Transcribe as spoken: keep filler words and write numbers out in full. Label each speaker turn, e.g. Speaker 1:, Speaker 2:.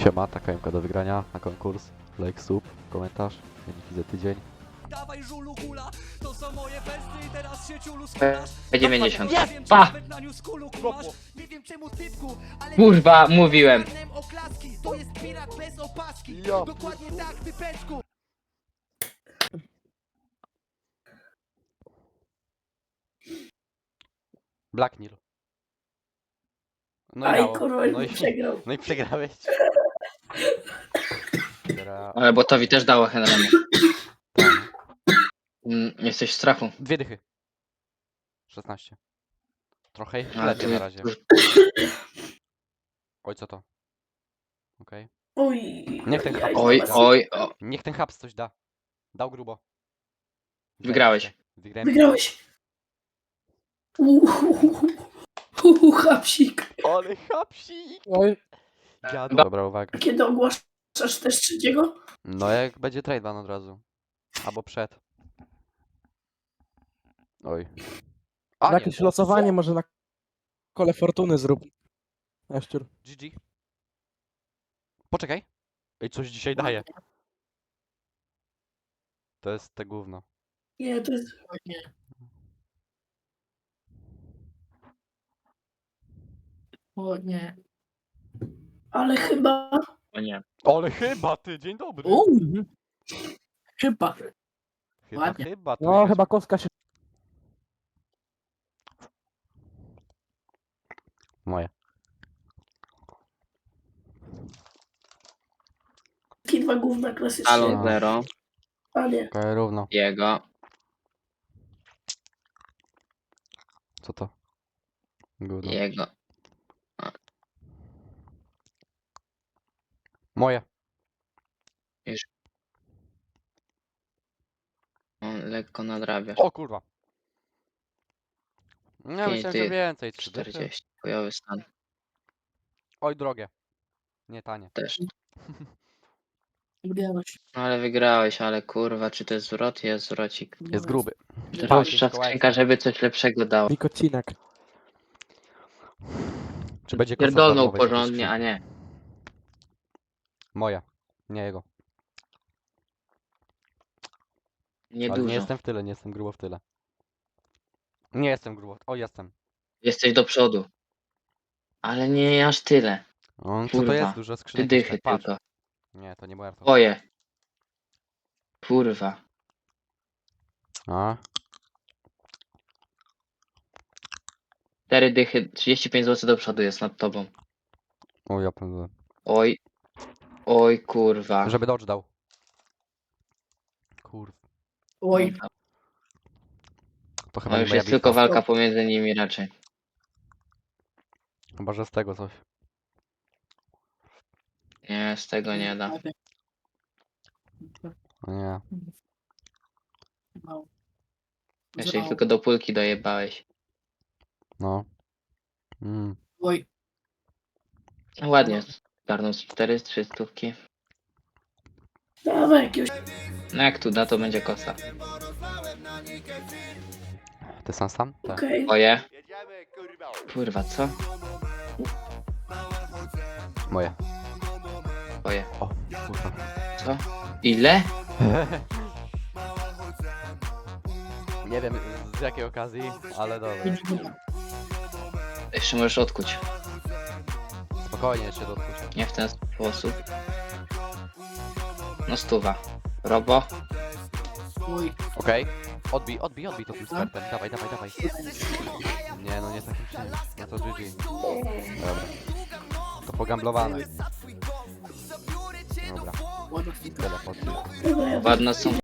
Speaker 1: Siema, taka M K do wygrania na konkurs. Like, sub, komentarz. Wyniki za tydzień.
Speaker 2: Dawaj żulu gula, to są moje besty i teraz się ciulu skulasz.
Speaker 3: P dziewięćdziesiąt.
Speaker 2: Nie wiem, czy
Speaker 3: Pa!
Speaker 2: nawet na newskulu kumasz. Nie wiem czemu typku, ale
Speaker 3: Kurwa, mówiłem.
Speaker 2: oklaski. To jest pirat bez opaski.
Speaker 1: Ja.
Speaker 2: Dokładnie tak, typeczku.
Speaker 1: Black Nil. No i
Speaker 4: Aj,
Speaker 1: dało.
Speaker 4: kurwa,
Speaker 1: no, i,
Speaker 4: przegrał.
Speaker 1: no i przegrałeś. Teraz...
Speaker 3: Ale botowi też dało Henrymu.
Speaker 1: Tam.
Speaker 3: Mm, Jesteś w strachu.
Speaker 1: Dwie dychy. szesnaście. Trochę
Speaker 3: Ale
Speaker 1: lepiej
Speaker 3: tu-
Speaker 1: na razie. Oj, co to? Okej.
Speaker 4: Oj,
Speaker 1: Niech ten
Speaker 4: jaj,
Speaker 1: hap-
Speaker 3: Oj,
Speaker 4: zaraz.
Speaker 3: oj, o.
Speaker 1: Niech ten haps coś da. Dał grubo.
Speaker 3: Wygrałeś.
Speaker 1: Wygrałem.
Speaker 4: Wygrałeś. Uuu, hapsik.
Speaker 1: Ale hapsik!
Speaker 5: Oj,
Speaker 1: Dziadu. Dobra, uwaga.
Speaker 4: Kiedy ogłaszasz też trzeciego?
Speaker 1: No jak będzie trade ban od razu. Albo przed. Oj. A,
Speaker 5: jakieś
Speaker 1: nie,
Speaker 5: losowanie może na kole fortuny zrób. Jaszczur.
Speaker 1: G G. Poczekaj. Ej, coś dzisiaj daje. To jest te gówno.
Speaker 4: Nie, to jest...
Speaker 6: O nie.
Speaker 4: Ale chyba...
Speaker 3: O nie.
Speaker 1: Ale chyba ty, dzień dobry.
Speaker 6: O, chyba.
Speaker 1: Chyba,
Speaker 6: ładnie.
Speaker 1: chyba. tu
Speaker 5: No
Speaker 1: jakaś-
Speaker 5: chyba kostka się...
Speaker 1: Moje.
Speaker 4: Takie dwa gówna klasycznie.
Speaker 3: Alon zero.
Speaker 4: A nie.
Speaker 1: Okej, równo.
Speaker 3: Jego.
Speaker 1: Co to? Gówno.
Speaker 3: Jego.
Speaker 1: Moje.
Speaker 3: On lekko nadrabia.
Speaker 1: O kurwa. Nie,
Speaker 3: Pięć
Speaker 1: myślałem, że
Speaker 3: tych.
Speaker 1: więcej. trzy dychy.
Speaker 3: czterdzieści. Chujowy stan.
Speaker 1: Oj, drogie. Nie tanie.
Speaker 3: Też.
Speaker 6: Wygrałeś.
Speaker 3: No ale wygrałeś, ale kurwa, czy to jest zwrot? Jest zwrocik.
Speaker 1: Jest gruby.
Speaker 3: Droższa skrzynka, żeby coś lepszego dało.
Speaker 5: Nikocinek.
Speaker 1: Czy będzie kosa
Speaker 3: Pierdolnął
Speaker 1: darmowej w tej
Speaker 3: porządnie, a
Speaker 1: skrzynce?
Speaker 3: nie.
Speaker 1: Moja. Nie jego. Ale
Speaker 3: Niedużo.
Speaker 1: nie jestem w tyle, nie jestem grubo w tyle. Nie jestem grubo. O, jestem.
Speaker 3: Jesteś do przodu. Ale nie aż tyle.
Speaker 1: O, co to
Speaker 3: Kurwa.
Speaker 1: jest? Dużo
Speaker 3: Trzy
Speaker 1: skrzynek.
Speaker 3: dychy
Speaker 1: jeszcze. Patrz.
Speaker 3: tylko.
Speaker 1: Nie, to nie warto.
Speaker 3: Twoje. Kurwa.
Speaker 1: A,
Speaker 3: Cztery dychy, trzydzieści pięć złotych do przodu jest nad tobą.
Speaker 1: o, ja pędzę.
Speaker 3: Oj. Oj kurwa.
Speaker 1: Żeby dodge dał. Kurw.
Speaker 6: Oj,
Speaker 1: To chyba
Speaker 3: No
Speaker 1: nie
Speaker 3: już
Speaker 1: moja
Speaker 3: jest
Speaker 1: bitwa.
Speaker 3: tylko walka pomiędzy nimi raczej.
Speaker 1: Chyba, że z tego coś.
Speaker 3: Nie, z tego nie da.
Speaker 6: ładnie.
Speaker 1: O nie.
Speaker 6: Mało.
Speaker 3: Jeszcze ich
Speaker 6: Zerało.
Speaker 3: tylko do pulki dojebałeś.
Speaker 1: No. Mm.
Speaker 6: Oj,
Speaker 3: No ładnie. Zgarnął z cztery, trzy stówki.
Speaker 4: Dawaj jakiegoś...
Speaker 3: No jak tu da, to będzie kosa.
Speaker 1: Ty sam sam? Tak.
Speaker 4: Okej.
Speaker 3: Twoje. Kurwa, co?
Speaker 1: Moje.
Speaker 3: Twoje.
Speaker 1: O, kurwa.
Speaker 3: Co? Ile?
Speaker 1: Nie wiem z jakiej okazji, ale dobra.
Speaker 6: pięć minut.
Speaker 3: Jeszcze możesz odkuć.
Speaker 1: Spokojnie jeszcze dotknę.
Speaker 3: Nie w ten sposób. No stuwa. Robo.
Speaker 6: Oj,
Speaker 1: Okej. Odbij, odbij, odbij to tym startem. Dawaj, dawaj, dawaj. Nie no, nie takim czymś. No to G G. Dobra. To pogamblowane. Dobra.
Speaker 6: ładna.
Speaker 1: Tyle po tym.
Speaker 4: Dobra, ja
Speaker 3: Ładne są